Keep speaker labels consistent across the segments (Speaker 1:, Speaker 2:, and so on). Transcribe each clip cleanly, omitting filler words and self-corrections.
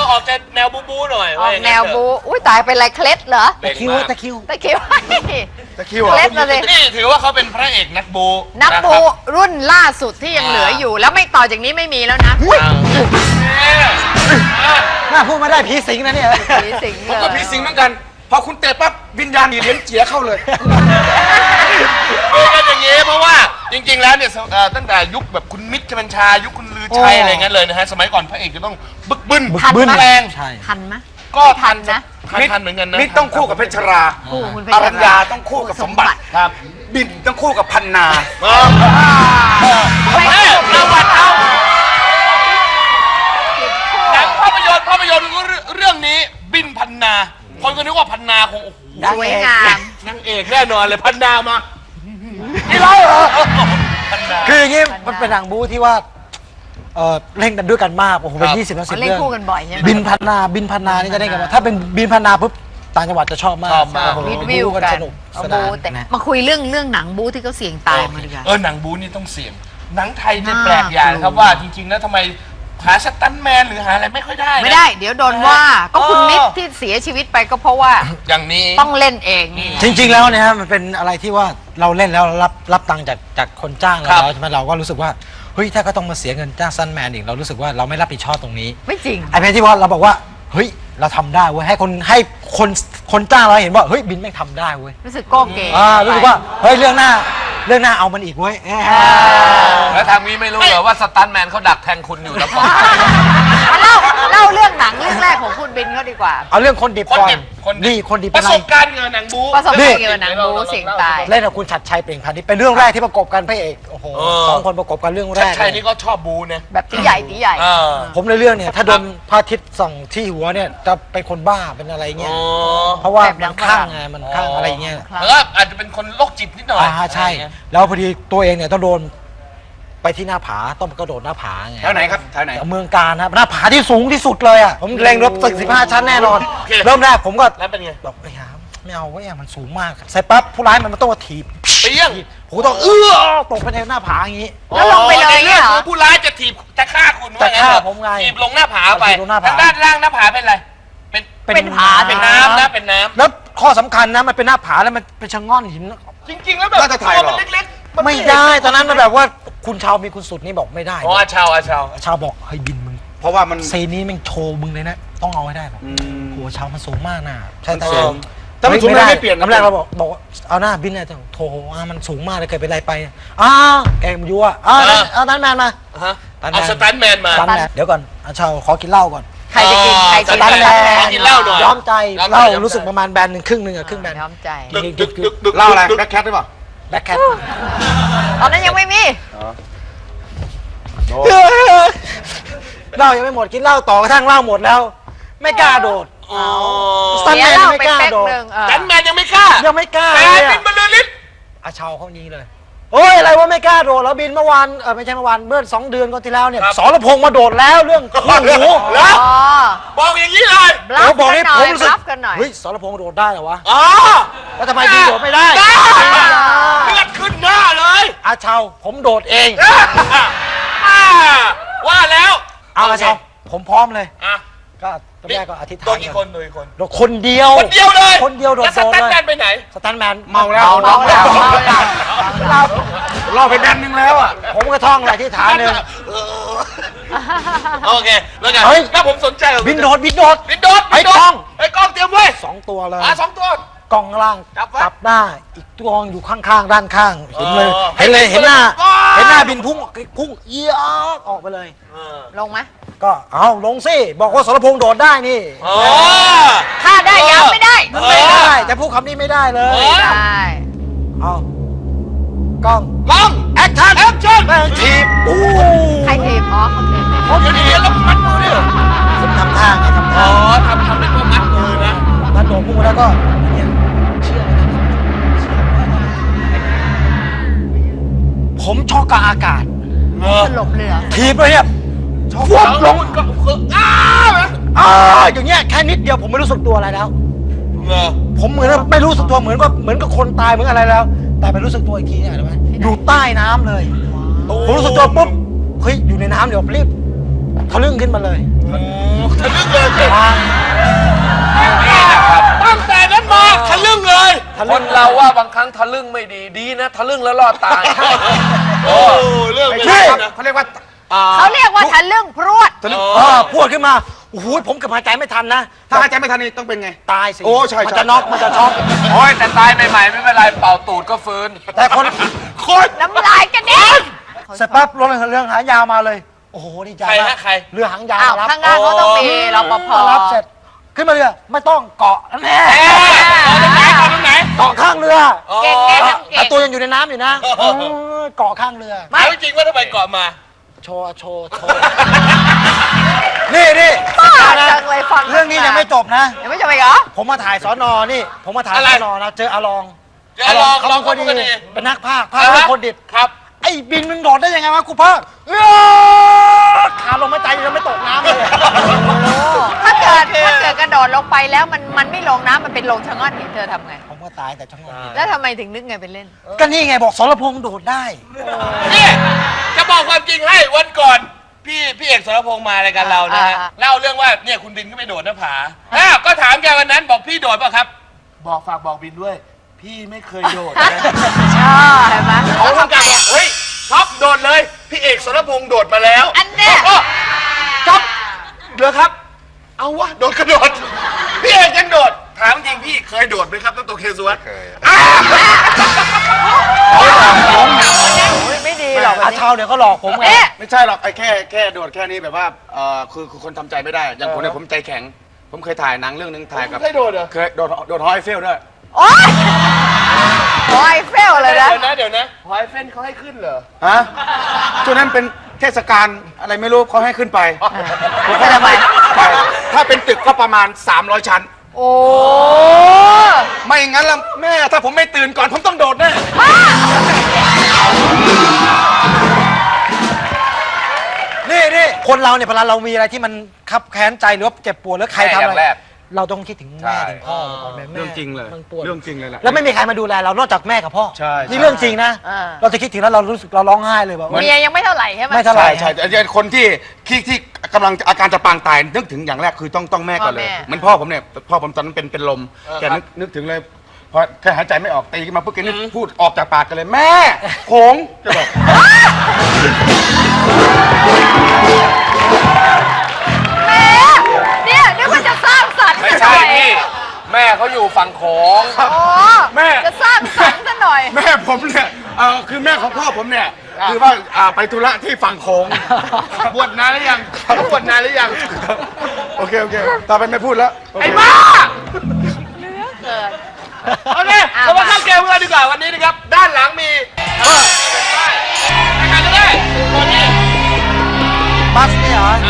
Speaker 1: ออกจะแนวบูหน่อย
Speaker 2: ออกแนวบูอุ้ยตายเป็นไรเคล็ดเหรอ
Speaker 3: ตะคิว
Speaker 2: ตะคิวเคล็ด
Speaker 3: เหรอ
Speaker 2: มาเลย
Speaker 1: นี่ถือว่าเขาเป็นพระเอกนักบู
Speaker 2: นักบูรุ่นล่าสุดที่ยังเหลืออยู่แล้วไม่ต่อจากนี้ไม่มีแล้วนะ
Speaker 3: น่าพูดไม่ได้ผีสิงนะเนี่ย
Speaker 2: ผีสิง
Speaker 4: ผมก็ผีสิงเหมือนกันพอคุณเตะปั๊บวิญญาณเหรียญเจียเข้าเลย
Speaker 1: เป็นอย่างนี้เพราะว่าจริงๆแล้วเนี่ยตั้งแต่ยุคแบบคุณมิตรชบัญชายุคคุณลือชัยอะไรเงี้ยเลยนะฮะสมัยก่อนพระเอกจะต้องบึกบึน
Speaker 2: ทันไหม
Speaker 1: แรง
Speaker 3: ใช่
Speaker 2: ทันไหม
Speaker 1: ก็ทัน
Speaker 2: นะ
Speaker 1: ทันเหมือนกันนะ
Speaker 4: มิตรต้องคู่กับเพชรรา
Speaker 2: คู่คุณเพช
Speaker 4: อ
Speaker 2: ร
Speaker 4: รัญญาต้องคู่กับสมบัติ
Speaker 1: ครับ
Speaker 4: บินต้องคู่กับพันนา
Speaker 1: ประวัติเอาหนังภาพยนตร์เรื่องนี้บินพันนาคนก็นึกว่าพันนาคงโอ้โห
Speaker 2: สวยงาม
Speaker 1: นางเอกแน่นอนเลยพันนามา
Speaker 3: นี่ร้อยเหรอ
Speaker 1: พันนา
Speaker 3: คืออย่างงี้มันเป็นหนังบู๊ที่ว่าเล่นกันด้วยกันมากโอ้โหเป็น20 30
Speaker 2: เล่น
Speaker 3: เรื่อง
Speaker 2: คู่กันบ่อยใช่ไหม
Speaker 3: บินพันนานี่จะได้กันว่าถ้าเป็นบินพันนาปุ๊บต่างจังหวัดจะชอบมาก
Speaker 1: ชอบมาก
Speaker 3: โอ้โห
Speaker 2: วิดวิว
Speaker 3: บู๊
Speaker 2: กัน
Speaker 3: สนุก
Speaker 2: เอา
Speaker 3: สนา
Speaker 2: บู
Speaker 3: น
Speaker 2: แต่
Speaker 3: นะ
Speaker 2: มาคุยเรื่องหนังบูที่เขาเสี่ยงตายมาดีกว่า
Speaker 1: หนังบูนี่ต้องเสี่ยงหนังไทยเนี่ยแปลกอย่างครับว่าจริงๆแล้วทำไมหาสตันท์แมนหรือหาอะไรไม่ค่อยได้นะ
Speaker 2: ไม่ได้ เดี๋ยวโดนว่าก็คุณมิตรที่เสียชีวิตไปก็เพราะว่า
Speaker 1: อย่างนี้
Speaker 2: ต้องเล่นเองนี่
Speaker 3: จริงๆแล้วเนี่ยฮะมันเป็นอะไรที่ว่าเราเล่นแล้วรับตังค์จากคนจ้างเราแล้วใช่ไหมเราก็รู้สึกว่าเฮ้ยถ้าก็ต้องมาเสียเงินจ้างซันแมนอีกเรารู้สึกว่าเราไม่รับผิดชอบตรงนี้
Speaker 2: ไม่จริง
Speaker 3: ไอ้เพนที่ว่าเราบอกว่าเฮ้ยเราทำได้เว้ยให้คนจ้างเราเห็นว่าเฮ้ยบินแม่งทำได้เว้ย
Speaker 2: รู้สึกโก้เก๋
Speaker 3: รู้สึกว่าเฮ้ยเรื่องหน้าเอามันอีกเว้ย
Speaker 1: แล้วทางนี้ไม่รู้เหรอว่าสตันท์แมนเขาดักแทงคุณอยู่แล้วก็
Speaker 2: เล่าเรื่องหนังเรื่องแรกของคุณบินเขาดีกว่า
Speaker 3: เอาเรื่องคนดิบก่อนนี่คนดิบ
Speaker 1: ป
Speaker 3: เป็น
Speaker 1: ระ
Speaker 3: ไร
Speaker 1: สบการณ์เงินหนังบู
Speaker 2: ประสบการณ์เกี่ยวกับหนังบูเสี่ยงตาย
Speaker 3: เล่นกับคุณชัดชัยเปล่งพันธุ์นี่เป็นเรื่องแรกที่ประกบกันพระเอกโอ้โหสองคนประกบกันเรื่องแรก
Speaker 1: ชัยนี่ก็ชอบบูนะ
Speaker 2: แบบตีใหญ่
Speaker 3: ผมในเรื่องเนี่ยถ้าโดนพระอาทิตย์ส่องที่หัวเนี่ยจะเป็นคนบ้าเป็นอะไรเงี้ยเพราะว่ามันข้างไงมันข้างอะไรเงี้ย
Speaker 1: แล้วก็อาจจะเป็นคนโรคจิตนิดหน่อย
Speaker 3: ใช่แล้วพอดีตัวเองเนี่ยต้องโดนไปที่หน้าผาต้องกระโดดหน้าผาไง
Speaker 4: แถวไหนครับแถวไหน
Speaker 3: เมืองการครับหน้าผาที่สูงที่สุดเลยอ่ะผมเล็งรถตึก15 ชั้นแน่นอน เริ่มแรกผมก็
Speaker 1: แล้วเป็นไง
Speaker 3: บอกไปหาไม่เอาเว้ยมันสูงมากใส่ปั๊บผู้ร้ายมันต้องมาถีบ
Speaker 1: เปี้ยง
Speaker 3: ผมต้องตกไปในหน้าผาอย่างนี้
Speaker 2: แล้วลงไปเลย
Speaker 1: ใน
Speaker 2: เนี่ยเหรอ
Speaker 1: คือผู้ร้ายจะถีบจะฆ่าคุณ
Speaker 3: จะฆ่าผมไง
Speaker 1: ถีบลงหน้าผาไป
Speaker 3: ถีบลงหน้าผา
Speaker 1: ทางด้านล่างหน้าผาเป็นอะไรเป็น
Speaker 2: เป็นผา
Speaker 1: เป็นน้ำนะเป็นน้ำ
Speaker 3: แล้วข้อสำคัญนะมันเป็นหน้าผาแล้วมันเป็นชะง่อนหิน
Speaker 1: จริงๆแล้วแบบ
Speaker 4: น่าจะถ่ายหรอ
Speaker 1: ตัวมันเล็กๆ
Speaker 3: ไม่ได้ตอนนั้นมันแบบว่าคุณชาวมีคุณสุดนี่บอกไม่ได้
Speaker 1: อ๋ออาชาว
Speaker 3: ชาวบอกเฮ้ยบินมึง
Speaker 4: เพราะว่ามัน
Speaker 3: เซนนี้แม่งโชว์มึงเลยนะต้องเอาให้ได้บอกโหชาวมันสูงมากนะใช่
Speaker 4: มันสูงถ้ามันสูงไม่เปลี่ยนนะ
Speaker 3: น้ำแรกเราบอกว่าเอาหน้าบินเลยโถมันสูงมากเลยเกิดเป็นไรไปแกมันยั่วเอาตันแมนมา
Speaker 1: ฮะเอาสตันท์แมนมา
Speaker 3: ตันแมนเดี๋ยวก่อนชาวขอกินเหล้าก่อน
Speaker 2: ใครจะกินใคร
Speaker 1: ส
Speaker 2: จะ
Speaker 1: ตั
Speaker 2: กิ
Speaker 1: น
Speaker 2: น
Speaker 1: ท์แมนขอกินเหล้าหน่อย
Speaker 3: ย้อมใจ
Speaker 1: ย้อมใจ
Speaker 3: เหล้า
Speaker 1: ย้อมใจ
Speaker 3: รู้สึกประมาณแบนหนึ่งครึ่งหนึ่งครึ่งแบน
Speaker 2: ย้อมใจ
Speaker 4: เล่าอะไรแบ็คแคทหรือเปล่า
Speaker 3: แบ็คแคท
Speaker 2: ตอนนั้นยังไม่มี
Speaker 3: เหล้ายังไม่หมดกินเหล้าต่อกระทั่งเหล้าหมดแล้ว ไม่กล้าโดด
Speaker 1: อ๋อ
Speaker 3: สตันท์แมน
Speaker 2: เสียเหล้า
Speaker 3: ไม่
Speaker 2: ไป
Speaker 3: กล้า
Speaker 2: เป๊ก
Speaker 3: โดด
Speaker 2: หนึ่ง
Speaker 1: สตันท์แมนยังไม่กล้า
Speaker 3: ยังไม่กล้า
Speaker 1: แต่
Speaker 3: เลย
Speaker 1: บินบรรลือฤทธิ์
Speaker 3: อาชาวเขานี้เลยโอ้ยอะไรว่าไม่กล้าโดดแล้วบินเมื่อวานไม่ใช่เมื่อวานเมื่อ2 เดือนก่อนที่แล้วเนี่ยสรพงษ์มาโดดแล้วเรื่องคู่หู
Speaker 1: แล้ว
Speaker 2: อ๋อ
Speaker 1: บอกอย่างนี้เลย
Speaker 2: บลัฟ
Speaker 3: บอก
Speaker 2: กัน
Speaker 3: ให้
Speaker 2: หน่อ
Speaker 3: ผม
Speaker 2: ย
Speaker 3: รู้
Speaker 2: บ
Speaker 3: สึก
Speaker 2: ลัฟกันหน่อย
Speaker 3: เฮ้ยสรพงษ์โดดได้เหรอวะ
Speaker 1: อ๋อ
Speaker 3: แล้วทำไมบินโดดไม่ได้
Speaker 1: ได้เลือดขึ้นหน้าเลย
Speaker 3: อาชาวผมโดดเอง
Speaker 1: ว่าแล้ว
Speaker 3: เอาอาชาวผมพร้อมเลย
Speaker 1: อ่ะ
Speaker 3: ก็ตอนแรกก็อธิษฐาน
Speaker 1: ตัวกี่คนตัวกี่คน
Speaker 3: โดดคนเดียว
Speaker 1: คนเดียวเลย
Speaker 3: คนเดียวโดด
Speaker 1: แล้วสตันท์แมนไปไหน
Speaker 3: สตันท์แมน
Speaker 4: เมาแล้ว
Speaker 2: เมาแล้วเมาแล้ว
Speaker 4: ล่อไปแบนนึงแล้วอ่ะ
Speaker 3: ผมก็ท่องอธิษฐานหนึ่ง
Speaker 1: โอเคแล้วไง
Speaker 3: เฮ้ย
Speaker 1: ถ้าผมสนใจ
Speaker 3: บินโดด
Speaker 1: บินโดด
Speaker 3: ไอ้กล้อง
Speaker 1: ไอ้กล้องเตรียมไว้
Speaker 3: 2 ตัวเลย
Speaker 1: 2 ตัว
Speaker 3: กล้องล่าง
Speaker 1: จับไว้
Speaker 3: จับหน้าอีกตัวอยู่ข้างๆด้านข้างเห็นเลย
Speaker 1: อ๋อ
Speaker 3: เห็นเลย
Speaker 1: ให้
Speaker 3: เห็นหน้า
Speaker 1: ว้าว
Speaker 3: เห็นหน้าบินพุ่งเอียกออกไปเลย
Speaker 2: ลงไหม
Speaker 3: ก็เอาลงสิบอกว่าสรพงษ์โดดได้นี่
Speaker 1: อ๋อ
Speaker 2: ถ้าได้ยังไม่ได้
Speaker 3: ไม่ได้แต่พูดคำนี้ไม่ได้เลย
Speaker 1: เออ
Speaker 2: ได้
Speaker 3: เอากล้อง
Speaker 1: กล้องแอคชั่นแอคชั่น
Speaker 3: แม่งทีบอู้
Speaker 2: ใครทีมอ๋อเขาทีม
Speaker 1: เดี๋ยวแล้วมัดมือดิ
Speaker 3: ผมทำท่าไงทำ
Speaker 1: อ๋
Speaker 3: ท่า
Speaker 1: อทำเป็นว่ามัดมือนะ
Speaker 3: ถ้าโดดพุ่งแล้วก็เนี่ยเชื่อไหมผมช็อกกับอากาศ
Speaker 2: สลบเรือ
Speaker 3: ทีบเลยเนี่ยฟวบลง
Speaker 1: ก็คือ
Speaker 3: อย่างเงี้ยแค่นิดเดียวผมไม่รู้สึกตัวอะไรแล้ว
Speaker 1: เออ
Speaker 3: ผมเหมือนไม่รู้สึกตัวเหมือนกับคนตายเหมือนอะไรแล้ว แต่ไปรู้สึกตัวอีกทีเนี่ยอะไรไหมอยู่ใต้น้ำเลยผมรู้สึกตัวปุ๊บเฮ้ยอยู่ในน้ำเดี๋ยวรีบทะลึ่งขึ้นมาเลย
Speaker 1: ทะลึ่งเลยนี่นะครับตั้งแต่นั้นมาทะลึ่งเลย
Speaker 4: คนเราว่าบางครั้งทะลึ่งไม่ดีดีนะทะลึ่งแล้วรอดตาย
Speaker 1: โอ้เรื่อง
Speaker 4: ไม่
Speaker 1: ไม่
Speaker 4: ใช่
Speaker 1: ใช่
Speaker 4: นะ
Speaker 1: นะ
Speaker 4: เขาเรียกว่า
Speaker 2: เขาเรียกว่าทะลึ่งพรวด
Speaker 3: พูดขึ้นมาโอ้โหผมเกับหายใจไม่ทันนะ
Speaker 4: ถ้าหายใจไม่ทันนี่ต้องเป็นไง
Speaker 3: ตายสิ
Speaker 4: โอ้ใช่
Speaker 3: มันจะน็อกมันจะช็อก
Speaker 4: โอ้ยแต่ตายใหม่ๆไม่เป็นไรเป่าตูดก็ฟื้น
Speaker 3: แต่คน
Speaker 2: น้ำลายกระเด็น
Speaker 3: เสร็จปั๊บรถเรื่องหางยาวมาเลย โอ้โหดีใจ
Speaker 1: ใคร
Speaker 3: มา
Speaker 1: ฮะ
Speaker 3: ก
Speaker 1: ใคร
Speaker 3: เรือหางยาว
Speaker 2: อ้าว
Speaker 3: รับ
Speaker 2: ข้างหน้าเขาต้องมีรปภ
Speaker 3: มารับเสร็จขึ้นมาเรือไม่ต้องเกาะแน่
Speaker 1: ตรงไหนตรงไหน
Speaker 3: เกาะข้างเรือ
Speaker 2: เก่งเก่งเก่
Speaker 3: แต่
Speaker 2: ง
Speaker 3: ตัวยังอยู่ในน้ำอยู่นะเกาะข้างเรือ
Speaker 1: ไม่จริงว่าทำไมเกาะมา
Speaker 3: โชว์นี่
Speaker 2: บ้าจังเลยฟัง
Speaker 3: เรื่องนี้ยังไม่จบนะ
Speaker 2: ยังไม่จบอีกเหรอ
Speaker 3: ผมมาถ่ายสอนอนี่ ผมมาถ่าย
Speaker 1: อะไร
Speaker 3: สอนอนะเจออาลอง
Speaker 1: เจออาลอง
Speaker 3: เขาลองคน
Speaker 1: อาลองคนดี
Speaker 3: ดีเป็นนักภาคเรื่องคนดิบ
Speaker 1: ครับ
Speaker 3: ไอ้บินมึงโดดได้ยังไงวะกูภาคขาลงไม่ใจยังไม่ตกน้ำเลย
Speaker 2: ถ้าเกิดกระโดดลงไปแล้วมันไม่ลงน้ำมันเป็นลงชะง่อนหินเธอทำไง
Speaker 3: ผมก็ตายแต่ช่างมัน
Speaker 2: แล้วทำไมถึงนึกไงเป็นเล่น
Speaker 3: ก็นี่ไงบอกสรพงษ์โดดได้
Speaker 1: นี่จะบอกความจริงให้วันก่อนพี่เอกสรพงษ์มารายการเรานะฮะ
Speaker 2: อ่า
Speaker 1: เล่าเรื่องว่าเนี่ยคุณบินก็ไปโดดหน้าผาก็ถามแกวันนั้นบอกพี่โดดป่ะครับ บอกฝากบอกบินด้วย พี่ไม่เคยโดดนะ
Speaker 2: ชอเห็นไหม
Speaker 1: เขาทำการบอกเฮ้ยท็อปโดดเลย พี่เอกสรพงษ์โดดมาแล้ว
Speaker 2: อันเนี้ย
Speaker 1: ท็อปเหรอครับ เอาวะโดดกระโดดพี่เอกยังโดดถามจริงพี่เคยโดดไหมครับตั้งตัวเคสวัตเคย
Speaker 2: ไม่ดีหรอก
Speaker 3: อาเชาเดี๋ยวก็หลอกผมไง
Speaker 2: เอ๊ะ
Speaker 4: ไม่ใช่หรอกไอ้แค่โดดแค่นี้แบบว่าคือคนทำใจไม่ได้อย่างผมเนี่ยผมใจแข็ง ผมเคยถ่ายหนังเรื่องนึงถ่ายกับ
Speaker 1: เคยโดดเหรอ
Speaker 4: เคยโดดฮอยเฟลด้วย
Speaker 2: โอ๊ยโอ้ยเฟลเลยนะ
Speaker 1: เดี๋ยวนะหอยเฟ้นเขาให้ขึ้นเหรอ
Speaker 4: ฮะช่วงนั้นเป็นเทศกาลอะไรไม่รู้เขาให้ขึ้นไปผมก็
Speaker 2: ทำไม
Speaker 4: ไปถ้าเป็นตึกก็ประมาณ300 ชั้น
Speaker 2: โอ้
Speaker 4: ไม่งั้นละแม่ถ้าผมไม่ตื่นก่อนผมต้องโดดแน่
Speaker 3: นี่คนเราเนี่ยเวลาเรามีอะไรที่มันคับแค้นใจหรือว่าเจ็บปวดหรือใครทำอะไรเราต้องคิดถึงแม่ถึงพ่อก่อนแม่
Speaker 4: เรื่องจริงเลย
Speaker 3: มันปวด
Speaker 4: เรื่องจริงเลยแหละ
Speaker 3: แล้วไม่มีใครมาดูแลเรานอกจากแม่กับพ่อ
Speaker 4: ใช่
Speaker 3: นี่เรื่องจริงนะ เราจะคิดถึงแล้วเรารู้สึกเราร้องไห้เลยแบบ
Speaker 2: เมียยังไม่เท่าไหร่ใช่ไหม
Speaker 3: ไม่เท่าไหร่
Speaker 4: ใช่คนที่กำลังอาการจะปางตายนึกถึงอย่างแรกคือต้องแม่ก่อนเลย
Speaker 2: พ่อแม่
Speaker 4: เหมือนพ่อผมเนี่ยพ่อผมตอนนั้นเป็นลมแกนึกถึงเลยพอแค่หายใจไม่ออกตีขึ้นมาปุ๊บแกนึกพูดออกจากปากกันเลยแม่โขงจะบอก
Speaker 2: แม่เนี่ยนึกว่าจะสร้างสรรค์
Speaker 1: ไม่
Speaker 2: ซะห
Speaker 1: ใช่
Speaker 2: น่อย
Speaker 1: พี่แม่เขาอยู่ฝั่งโขง
Speaker 2: โอ้
Speaker 4: แม่
Speaker 2: จะสร้างสรรค์ซะหน่อย
Speaker 4: แม่ผมเนี่ยคือแม่ของพ่อผมเนี่ยคือว่าไปธุระที่ฝั่งโขง
Speaker 1: บวชนานหรือยังเขาบวชนานหรือยัง
Speaker 4: โอเคต่อไปไม่พูดแล้ว
Speaker 1: ไอ้บ้า
Speaker 2: เกิด
Speaker 1: โอเคเรามาเข้าเกมกันดีกว่าวันนี้นะครับ ด้านหลังมีใครก็ได้คนนี้
Speaker 3: บัสเนี่ยเหรอ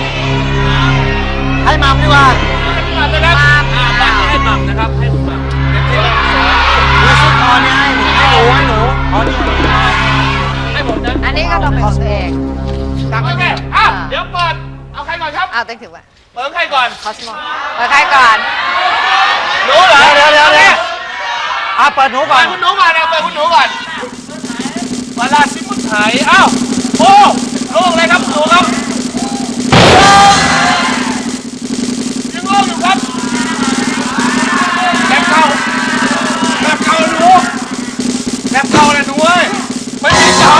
Speaker 3: ให้มัมดีกว่า
Speaker 1: มานะครับบัตรให้หม่ำนะครับให้หม่ำเต็มที่แล้ว
Speaker 3: ดูซิคอเนี่ยให้หนูอ๋อนี่
Speaker 1: ให้ผมนะ
Speaker 2: อันนี้ก็ต้องเป็นตัวเอง
Speaker 1: โอเคเดี๋ยวเปิดเอาใครก่อนครับ
Speaker 2: อ้าวต้องถือว่า
Speaker 1: เปิดใครก่อน
Speaker 2: คอสโมไปใครก่อน
Speaker 1: หนูเหรอ
Speaker 3: เดี๋ยวเปิดหนูก่
Speaker 1: เปิ
Speaker 3: อน
Speaker 1: ดคุณหนูก่อนนะเปิดคุณหนูก่อนเวลาซิมุนไถอ้าวโอ้ลูกอะไรครับหนูครับยังลูกอยู่ครับแบบเก่าหนูแบบเก่าเลยหนูเว้ยไม่ใช่เก่า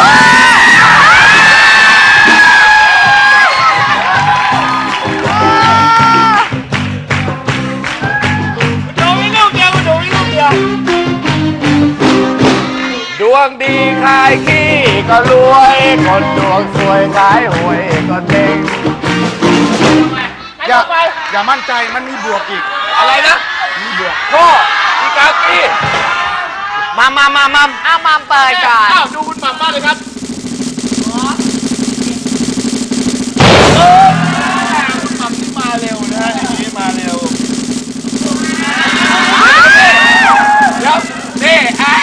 Speaker 1: หนูมีลูกเดียวหนูมีลูกเดียวดวงดีขายขี้ก็รวยคนดวงสวยขายหวยก็เจ๊ง
Speaker 4: อย่ามั่นใจมันมีบวกอีก
Speaker 1: อะไรนะ
Speaker 4: มีบวก
Speaker 1: พ่ออีกากี้
Speaker 3: มัม
Speaker 2: อ้าวมามเปิดก่อน
Speaker 1: อ้าวดูคุณหม่ำมากเลยครับคุณหม่ำนี่มาเร็วนะฮะอย่างนี้มาเร็วเดี๋ยวนี่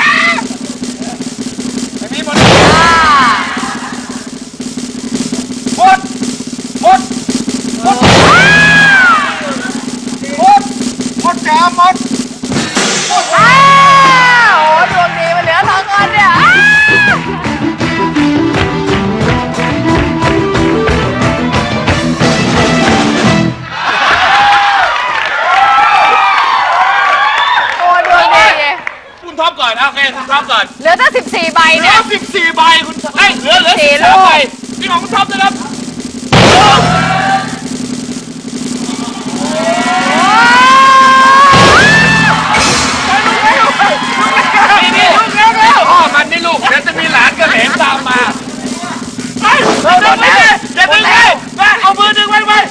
Speaker 1: อันนี้หมด
Speaker 4: จ้ามด
Speaker 2: อ้าวโอ้ดวงดีมาเหลือ2 คนเนี่ยอ้าว
Speaker 1: คุณท็อปก่อน
Speaker 2: เหลือตั้ง14 ใบ
Speaker 1: เหลื
Speaker 2: เนี่
Speaker 1: อย 14 ใบคุณเอ้ยเหลือ
Speaker 2: สี่
Speaker 1: 13
Speaker 2: ลูก
Speaker 1: ใบนี่ของคุณท็อปนะครับนี่ลูกเร็วพ่อมันนี่ลูกเดี๋ยวจะมีหลานกับเหลนตามมาไปดึงไปเลยอย่าดึงเลยมาเอามือดึงไว้ไว้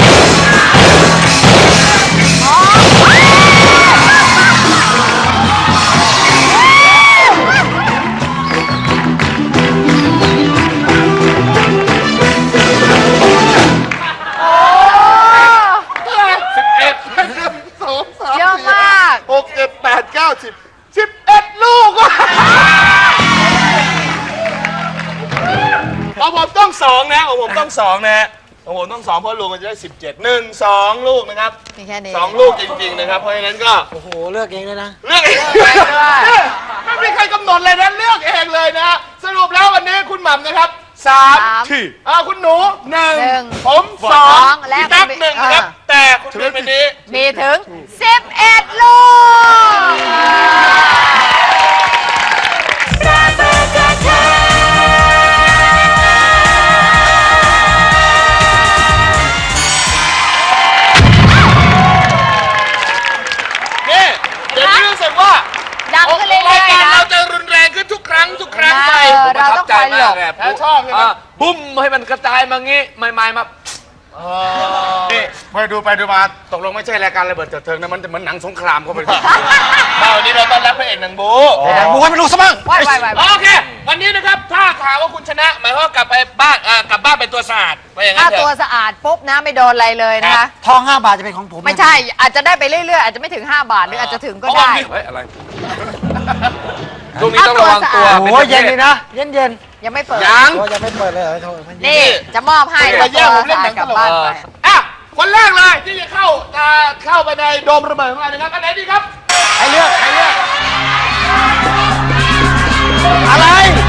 Speaker 2: เยอะมาก
Speaker 1: 6 7 8 9 10 11 ลูกของผมต้อง2นะของผมต้อง2นะของผมต้อง2เพราะลุงมันจะได้17 1 2 ลูกนะครับ
Speaker 2: มีแค่นี้
Speaker 1: 2 ลูกจริงๆนะครับเพราะฉะนั้นก็
Speaker 3: โอ้โหเลือกเองเลยนะ
Speaker 1: เลือกเอง
Speaker 2: เลือกเองด้วย
Speaker 1: ไม่มีใครกำหนดเลยนะเลือกเองเลยนะสรุปแล้ววันนี้คุณหม่ำนะครับ
Speaker 2: สาม
Speaker 1: ที่คุณหนู
Speaker 2: หนึ่ง
Speaker 1: 1ผม
Speaker 2: สอง
Speaker 1: 2
Speaker 2: และ
Speaker 1: พี่ตั๊ก
Speaker 2: คุณ
Speaker 1: 1ครับ แต่คุณเบนวันนี้
Speaker 2: มีถึง 11 ลูก
Speaker 1: นี่เดี๋ยวนี้รู้สึกว่า
Speaker 2: ดังขึ้นเรื่
Speaker 1: ราย
Speaker 2: อย
Speaker 1: การ
Speaker 2: ๆนะ
Speaker 1: เราจะรุนแรงขึ้นทุกครั้งไป
Speaker 2: เราต้องคอยหลบ
Speaker 1: แพ้ชอบใช่ไหม
Speaker 5: บุ้มให้มันกระจายมางี้ไม่มา
Speaker 4: นี่ไปดูมาตกลงไม่ใช่รายการระเบิดเถิดเทิงนะมันจะเหมือนหนังสงครามเข้าไป
Speaker 1: วันนี้เราต้อนรับพระเอกหนังบู
Speaker 3: บูให้มันรู้ซะบ้าง
Speaker 2: ว่าย
Speaker 1: โอเค วันนี้นะครับถ้าข่าวว่าคุณชนะหมายความว่ากลับไปบ้านกลับบ้านเป็นตัวสะอาดไปอย่างนั้
Speaker 2: ถ้าน
Speaker 1: เถ
Speaker 2: ตัว
Speaker 1: อะ
Speaker 2: สะอาดปุ๊บนะไม่โดนอะไรเลยนะคะ
Speaker 3: ทอง 5 บาทจะเป็นของผม
Speaker 2: ไม่ใช่อาจจะได้ไปเรื่อยๆ อาจจะไม่ถึง 5 บาทหรืออาจจะถึงก็ได้
Speaker 5: เฮ้ยอะไรช่วงนี้ต้องระวังตัว
Speaker 3: โอ้โหเย็นเลยนะ เย็นเย็น
Speaker 2: ยังไม่เปิด
Speaker 1: ยัง
Speaker 3: โอ้ยังไม่เปิดเลยเหรอโทษมันเย็
Speaker 2: นี่จะมอบให้
Speaker 1: มาแย่งผมเล่นหนัง
Speaker 2: ก
Speaker 1: ต
Speaker 2: ลับ
Speaker 1: ลก
Speaker 2: บ้านไป
Speaker 1: อ่ะคนแรกเลยที่จะเข้าไปในโดมระเบิดของเรานะครับอันไหนดีครับ
Speaker 3: ใครเลือกอะไร